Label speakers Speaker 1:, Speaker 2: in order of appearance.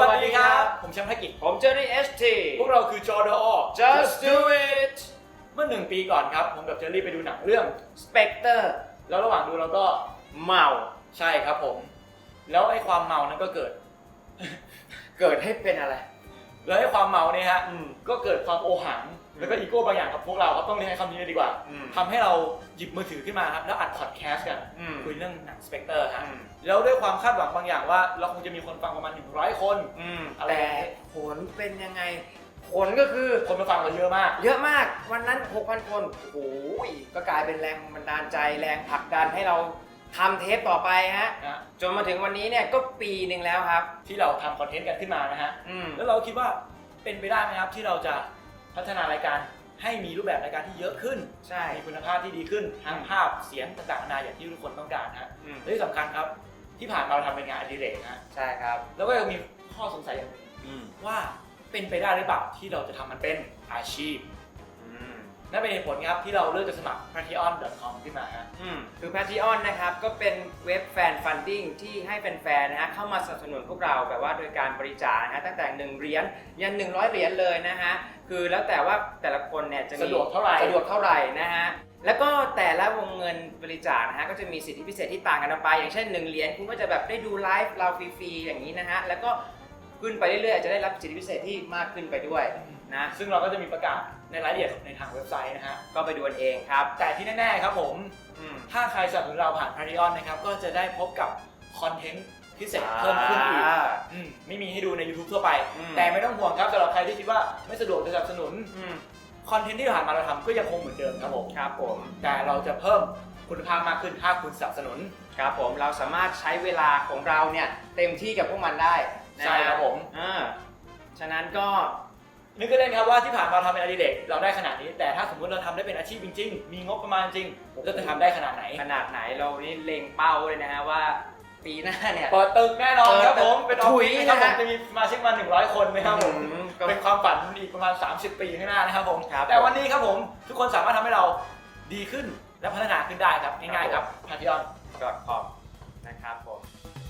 Speaker 1: วัสดีครับผมแชมป์ธกิจ
Speaker 2: ผมเจอรี่ ST
Speaker 1: พวกเราคือจอดอ
Speaker 2: Just Do It
Speaker 1: เมื่อ1 ปีก่อนครับผมกับเจอรี่ไปดูหนังเรื่อง
Speaker 2: Spectre
Speaker 1: แล้วระหว่างดูเราก็
Speaker 2: เมา
Speaker 1: ใช่ครับผมแล้วไอ้ความเมานั้นก็เกิด
Speaker 2: เกิดให้เป็นอะไร
Speaker 1: แล้วไอ้ความเมาเนี่ยฮะก็เกิดความโอหังแล้วก็อีโก้บางอย่างกับพวกเราครับต้องเรียกให้คำนี้เลยดีกว่าทำให้เราหยิบมือถือขึ้นมาครับแล้วอัดพอดแคสต์กันคุยเรื่องหนัง Spectre ฮะแล้วด้วยความคาดหวังบางอย่างว่าเราคงจะมีคนฟังประมาณ100 คน
Speaker 2: แต่ผลเป็นยังไงผลก็คือ
Speaker 1: คนมาฟังเราเยอะมาก
Speaker 2: วันนั้น 6,000 คนโอ้ยก็กลายเป็นแรงบันดาลใจแรงผลักดันให้เราทำเทปต่อไปฮะจนมาถึงวันนี้เนี่ยก็ปีหนึ่งแล้วครับ
Speaker 1: ที่เราทำคอนเทนต์กันขึ้นมานะฮะแล้วเราคิดว่าเป็นไปได้ไหมครับที่เราจะพัฒนารายการให้มีรูปแบบรายการที่เยอะขึ้น
Speaker 2: ใช่
Speaker 1: มีคุณภาพที่ดีขึ้นทั้งภาพเสียงต่างๆนานาอย่างที่ทุกคนต้องการฮะและที่สำคัญครับที่ผ่านมาเราทำเป็นงานอดิเรกนะ
Speaker 2: ใช่ครับ
Speaker 1: แล้วก็ยังมีข้อสงสัยอย่างหนึ่งว่าเป็นไปได้หรือเปล่าที่เราจะทำมันเป็นอาชีพนั่นเป็นเหตุผลครับที่เราเลือกจะสมัคร patreon.com ขึ้นมาฮะ
Speaker 2: คือ Patreon นะครับก็เป็นเว็บแฟนฟันดิ้งที่ให้แฟนๆนะฮะเข้ามาสนับสนุนพวกเราแบบว่าโดยการบริจาคนะฮะตั้งแต่1 เหรียญยัน100 เหรียญเลยนะฮะคือแล้วแต่ว่าแต่ละคนเนี่ยจะมี
Speaker 1: สะดวกเท่าไหร่
Speaker 2: นะฮะแล้วก็แต่ละวงเงินบริจาคนะฮะก็จะมีสิทธิพิเศษที่ต่างกันออกไปอย่างเช่น1 เหรียญคุณก็จะแบบได้ดูไลฟ์เราฟรีๆอย่างนี้นะฮะแล้วก็ขึ้นไปเรื่อยๆจะได้รับสิทธิพิเศษที่มากขึ้นไปด้วยนะ
Speaker 1: ซึ่งเราก็จะมีประกาศในรายละเอียดในทางเว็บไซต์นะฮะ
Speaker 2: ก็ไปดูกันเองครับ
Speaker 1: แต่ที่แน่ๆครับผมถ้าใครสนับสนุนเราผ่าน Patreon นะครับก็จะได้พบกับคอนเทนต์พิเศษเพิ่มขึ้นอีกไม่มีให้ดูใน YouTube ทั่วไปแต่ไม่ต้องห่วงครับสำหรับใครที่คิดว่าไม่สะดวกจะสนับสนุนคอนเทนต์ที่ผ่านมาเราทำก็ยังคงเหมือนเดิมครับผมแต่เราจะเพิ่มคุณภาพมากขึ้นถ้าคุณสนับสนุน
Speaker 2: ครับผมเราสามารถใช้เวลาของเราเนี่ยเต็มที่กับพวกมันได้
Speaker 1: ใช่ครับผม
Speaker 2: ฉะนั้นก็
Speaker 1: นึกก็เล่นครับว่าที่ผ่านมาทำเป็นอดิเรกเราได้ขนาดนี้แต่ถ้าสมมติเราทำได้เป็นอาชีพจริงๆมีงบประมาณจริงเราจะทำได้ขนาดไหน
Speaker 2: เรานี่เล็งเป้าเลยนะฮะว่าปีหน้าเนี่ย
Speaker 1: เปิดตึกแน่นอนครับผมเป็นออฟฟิศนะครับผมจะมีสมาชิกมา100 คนนะครับผมเป็นความฝันอีกประมาณ30 ปีข้างหน้านะครับผมแต่วันนี้ครับผมทุกคนสามารถทำให้เราดีขึ้นและพัฒนาขึ้นได้ครับง่ายๆครับ patreon.com
Speaker 2: นะครับผม